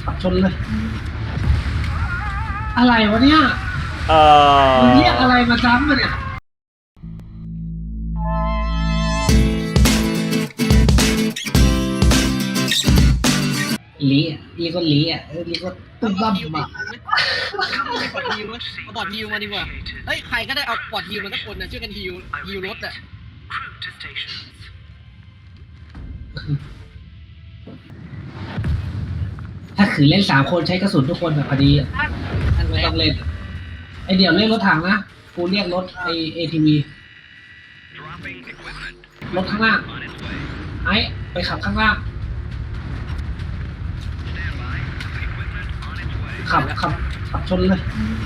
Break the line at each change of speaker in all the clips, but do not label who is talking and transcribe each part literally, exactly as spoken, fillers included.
ขับชนเลยอะไรวะเนี่ย
เออ
มึงเรียกอะไรมาซ้ำมาเนี่ยลีอ่ะลีก็ลีอ่ะเออลีก็ตุ้มบ้ามมา
ปอดฮิวเอาปอดฮิวมาดีกว่าเฮ้ยใครก็ได้เอาปอดฮิวมาสักคนนะช่วยกันฮิวฮิวรถอ่ะ
ถ้าขืนเล่นสามคนใช้กระสุนทุกคนแบบพอดีไม่ต้องเล่นไอเดี๋ยวเล่นรถถังนะกูเรียกรถไอเอทีวีรถข้างล่างไอไปขับข้างล่างขับขับขับชนเลย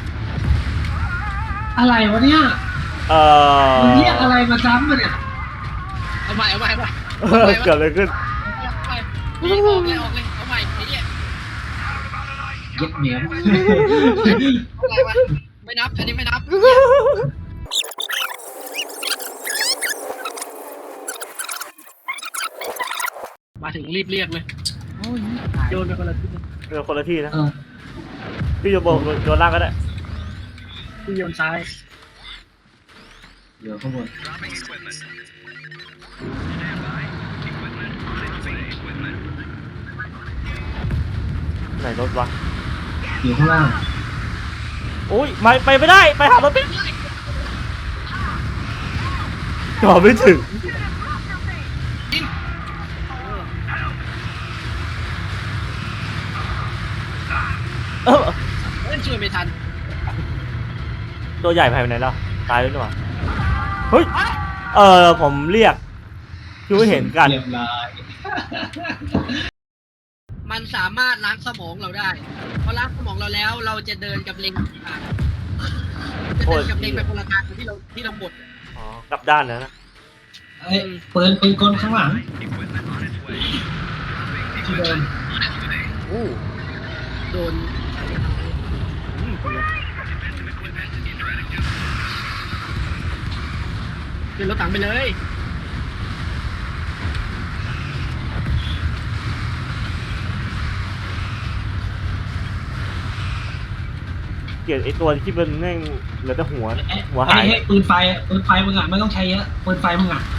อะไรวะเนี่ย
เออ
มึงเรียกอะไรมาซ้ำมาเนี่ย
เอาใหม่เอาใหม่เอาใหม่
เกิดอะไรขึ้น
ออกเลยออกเลยเอาใหม่ไอ้เนี่ย
เย็ดเหนียว
อะไรวะไม่นับอันนี้ไม่นับมาถึงรีบเรียกเลยโยนไปคนละที่
เรือคนละที่นะ
เออ
พี่โยนบนโยนล่างก็ได้
พี่โยนซ้าย
เดี๋ยวข้างบน
ไหนรถวะ
อยู่ข้างล่าง
โอ้ยไม่ไปไม่ได้ไปหารถไม่จอดไม่ถึงเออ
เล่นช่วยไม่ทัน
ตัวใหญ่ไปไหนแล้วตายแล้วหรือเปล่าเฮ้ยเออผมเรียกคือไม่เห็นกัน
เรียบร้อย
มันสามารถล้างสมองเราได้พอล้างสมองเราแล้วเราจะเดินกับเล็งจะเดินกับเล็งไปคนละทางที่เราที่เราหมด
อ๋อกลับด้านแล้วนะ
ไอ้ปืนปืนกลข้างหลังที่เดิน
โอ้
โดนขึ้นรถถังไปเลย
เกลียดไอ้ตัวที่เป็นแม่งเหลือแต่หัวหัวหาย
ปืนไฟปืนไฟมึงอ่ะไม่ต้องใช้เยอะปืนไฟมึงอ่ะ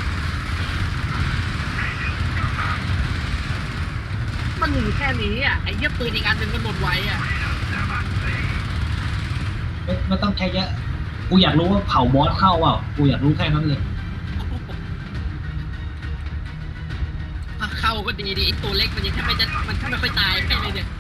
มันอยู่แค่นี้อ่ะไอ้เยี่ยปืนอีกอันหนึ่งมันหมดไวอ่ะ
ไม่ไม่ต้องใช้เยอะกูอยากรู้ว่าเผาบอสเข้าเปล่ากูอยากรู้แค่นั้นเลย
เข้าก็ดีดีไอ้ตัวเล็กมันยังแค่ไม่จะมันแค่ไม่ค่อยตายแค่เลยเนี่ย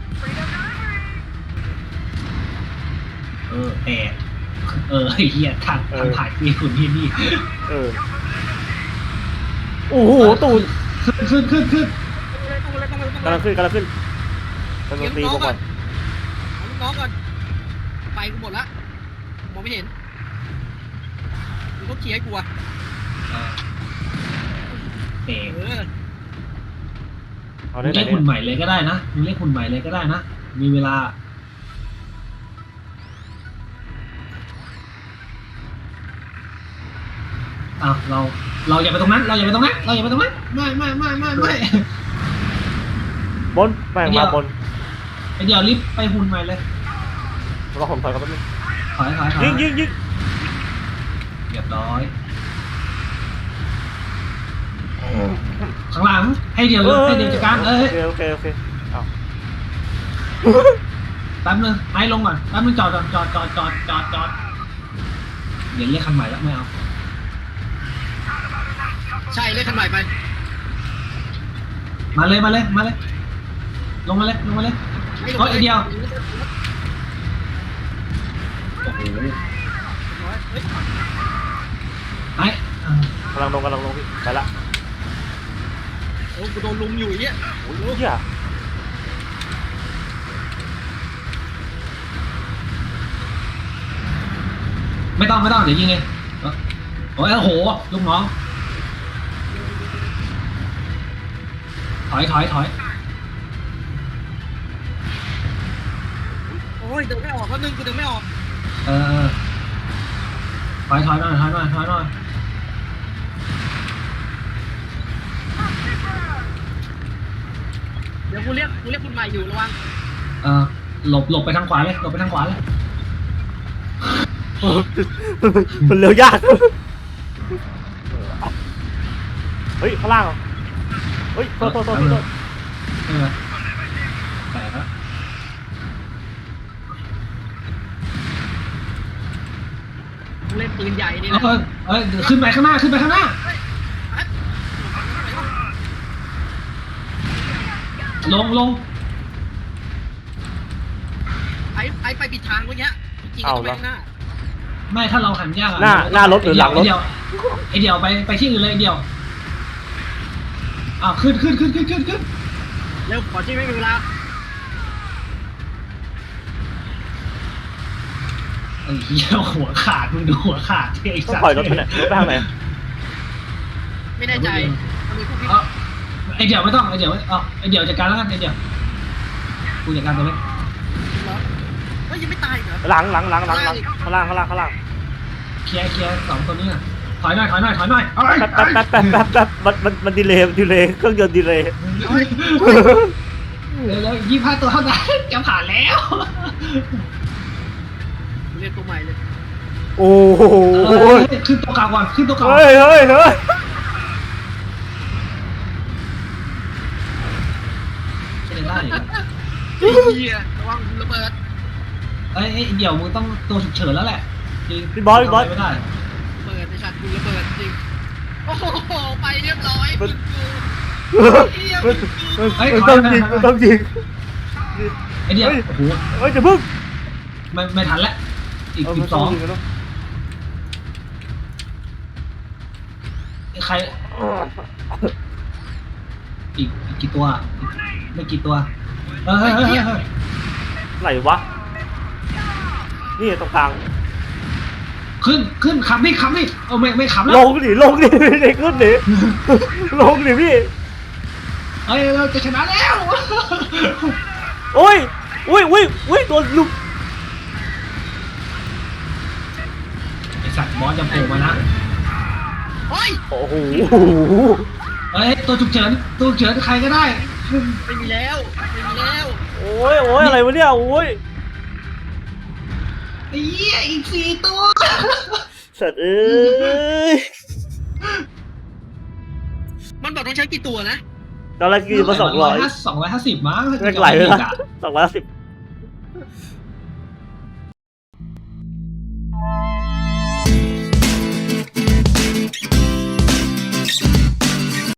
เออแต่เออไอ้เหี้ยทางทางถ่ายมีคุณที่นี่
เออโอ้โหตูน
ขึ้นขึ้นขึ้น
กำลังขึ้นกำลังขึ้นกำลังตีก่อน
เอาลูกน้องก่อนไปกูหมดละมองไม่เห็นมึงต้องขี่ให้กูอ่ะ
เออ
เอา
เรียกหุ่นใหม่เลยก็ได้นะมึงเรียกหุ่นใหม่เลยก็ได้นะมีเวลาอ้าวเราเราอย่าไปตรงนั้นเราอย่าไปตรงนั้นเราอย่าไปตรงนั้นไม่ไม่ไม่ไม่ไม่
บนแม่งมาบน
ไอเดี๋ยวรีบไปหุ่นใหม่เลย
เราผมถอยกันแป๊บนึง
ถอยถอยถอย
ยิงยิงยิง
เรียบร้อยข้างหลังให้เดี๋ยวให้เดี๋ยวจัดการเอ้ย
โอเคโอเคโอเคเอา
แป๊บนึงไอ้ลงก่อนแป๊บนึงจอดจอดจอดจอดจอดจอดจอดเดี๋ยวเรียกคันใหม่แล้วไม่เอา
ใช่เรียกคันใหม่ไป
มาเลยมาเลยมาเลยลงมาเลยลงมาเลยก็ไอเดียวโอ้โหไอ้
กำลังลงกำลังลงพี่ไปละ
โอ้กูโดนลุมอยู่อย่างเงี้ย
โอ้ยเหี้ย
ไม่ต้องไม่ต้องเดี๋ยวยิงเองโอ้ยโอ้โหลูกน้องถอยถอยถอย
โอ้ยเดินไม่ออกแล้วนึงกูเดินไม่ออก
เออถอยถอยหน่อยถอยหน่อยถอยหน่อย
เดี๋ยวกูเรียกกูเรียกคุณใหม่อยู่ระวัง
เออหลบหลบไปทางขวาเลยหลบไปทางขวาเลย
มันเร็วยากเฮ้ยข้างล่างเหรอเฮ้ยโทษโทษโทษโทษ
เออแตกแล้ว
กูเล่นปืนใหญ่นี่
เอ
แหละ
อเออเดี๋ยวขึ้นไปข้างหน้าขึ้นไปข้างหน้า ลงลง
ไอ้ไอ้ไปปิดทางเมื่อกี้จริงๆต้องไปข้างหน้า
ไม่ถ้าเราหันยากอะ
หน้าหน้ารถหรือหลังรถ
ไอเดียวไอเดียวไปไปที่อื่นเลยไอเดียวอ้าวขึ้นขึ้นขึ้นขึ้นขึ้นขึ้น
เร็วขอที่ไม่มีเวลา
ไอ้เหี้ยหัวขาดมึงดูหัวขาดที่ไอ้
ต้อง
สัตว์
ปล่อยรถไปไหนรถไปทางไหน
ไม่แน่ใจมันมีพวกพี่
เอาไอเดียวไม่ต้องไอเดียวเอาไอเดียวจัดการแล้วกันไอเดียวกูจัดการตัวเล็ก
เหรอเฮ้ยยังไม่ตายเหรอ
หลังหลังหลังหลังหลังข้างล่างข้างล่างข้างล่าง
เคลียร์เคลียร์สองตัวนี้น่ะถอยหน่อยถอยหน่อยถอยหน่อยเอาไป
แป๊บแป๊บแป๊บแป๊บแป๊บแป๊บมันมันมันดีเลย์มันดีเลย์เครื่องยนต์ดีเลย์
เร็วเร็วยี่ห้าตัวเท่านั้นจะผ่านแล้ว
เรียกตัวใหม่เลย
โอ้โห
เออขึ้นตัวเก่าก่อนขึ้นตัวเก่า
เฮ้ยเฮ้ยเฮ้ย
ใช่ได้เหรอ
ไอ้เหี้ยระวังระเบิด
เอ้ยเอ้ยเดี๋ยวมึงต้องตัวฉุกเฉินแล้วแหละจริง
พี่บอสพี่บอส
ทำะไรไม่ได้
ระเบิดไอ้สัตว์กูระเบิดจริงโอ้โหไปเรียบร้อยมึงกู
มัน
เหี้ย
มัน
มึงกู
มันมันต้องยิงมันต้องยิง
ไอเดียว
เฮ้ย
โอ้โห
เฮ้ยจะพึ่ง
ไม่ไม่ทันแล้วอีก
เออ
สิ
มัน
บส
ต้
อง
ยิงกันเนอะ
ใครอีกอีกกี่ตัวอีกไม่กี่ตัวเออเฮ้ยเฮ้ยเฮ้ยเฮ้ย
ไหนวะนี่ตรงกลาง
ขึ้นขึ้นขับนี่ขับนี่เออไม่ไม่ขับแล้
ล
ว
งดิลงดิเด็กขึ้นดิลงดิพี่
เฮ้ยเราจะชนะแล้ว
โอ้ยอุ้ยอุ้ยอุ้ยโดนลุก
ไอสัตว์บอสจะโผล่มานะ
เฮ้ย
โอ้โห
เฮ้ยตัวฉุกเฉินตัวฉุกเฉินใครก็ได้
ไม่มีแล้วไม่มีแล้ว
โอ้ยโอ้ยอะไรวะเนี่ยโอ้ย
ไอ้เหี้ยอีกสี่ตัว
สัตว์เอ้ย
มันบอกต้องใช้กี่ตัวนะ
ตอนแรกคือมาสองร้อย
สองร้อยห้าสิบมั้ง
แรกไหลเลยนะสองร้อยสิบ